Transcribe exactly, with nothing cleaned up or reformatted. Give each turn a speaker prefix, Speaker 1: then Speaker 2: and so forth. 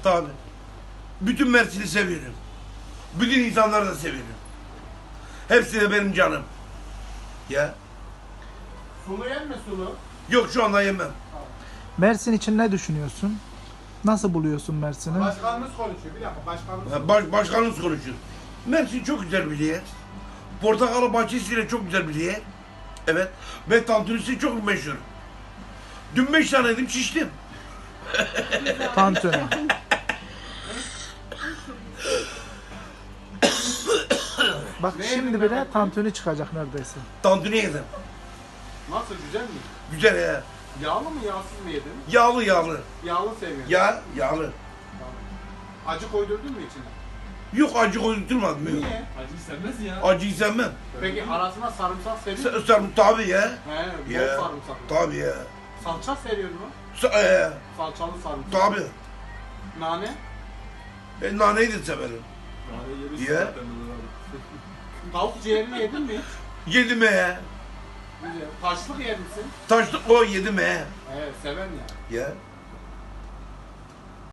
Speaker 1: Tabii. Bütün Mersin'i seviyorum. Bütün insanları da seviyorum. Hepsi de benim canım. Ya.
Speaker 2: Sulu yer mi sulu?
Speaker 1: Yok şu anda yemem.
Speaker 3: Mersin için ne düşünüyorsun? Nasıl buluyorsun Mersin'i?
Speaker 2: Başkanımız konuşuyor. Bir dakika başkanımız
Speaker 1: Ha, Baş, başkanımız konuşuyor. Mersin çok güzel bir yer. Portakalı bahçesiyle çok güzel bir yer. Evet. Ve tantunisi çok meşhur. Dün beş tane yedim şiştim.
Speaker 3: Tantuni. Bak
Speaker 2: Ne
Speaker 3: şimdi
Speaker 2: yedin
Speaker 3: bile
Speaker 2: Mehmet?
Speaker 3: tantuni çıkacak neredeyse.
Speaker 1: Tantuni yedim.
Speaker 2: Nasıl, güzel mi?
Speaker 1: Güzel ya.
Speaker 2: Yağlı mı yağsız mı yedin?
Speaker 1: Yağlı yağlı.
Speaker 2: Yağlı seviyorum.
Speaker 1: Ya yağlı.
Speaker 2: Tamam. Acı koydurdun mu içine?
Speaker 1: Yok acı koydurmadım. Yok.
Speaker 2: Niye?
Speaker 4: Acıyı sevmez ya.
Speaker 1: Acıyı sevmem.
Speaker 2: Peki arasına sarımsak seriyor
Speaker 1: Sen,
Speaker 2: musun?
Speaker 1: sen tabii ya.
Speaker 2: He, bol
Speaker 1: Ya.
Speaker 2: sarımsak.
Speaker 1: Tabii ya.
Speaker 2: Salça seriyor mu?
Speaker 1: Sa- e,
Speaker 2: Salçalı sarımsak.
Speaker 1: tabii.
Speaker 2: Nane?
Speaker 1: E, naneyi de severim.
Speaker 4: Yani yeriz
Speaker 1: Ya.
Speaker 4: zaten Ömer abi.
Speaker 2: Tavuk ciğerini yedin mi hiç?
Speaker 1: Yedim he.
Speaker 2: Güzel. Taşlık yer misin?
Speaker 1: Taşlık o yedim he.
Speaker 2: Evet, seven ya.
Speaker 1: Ya.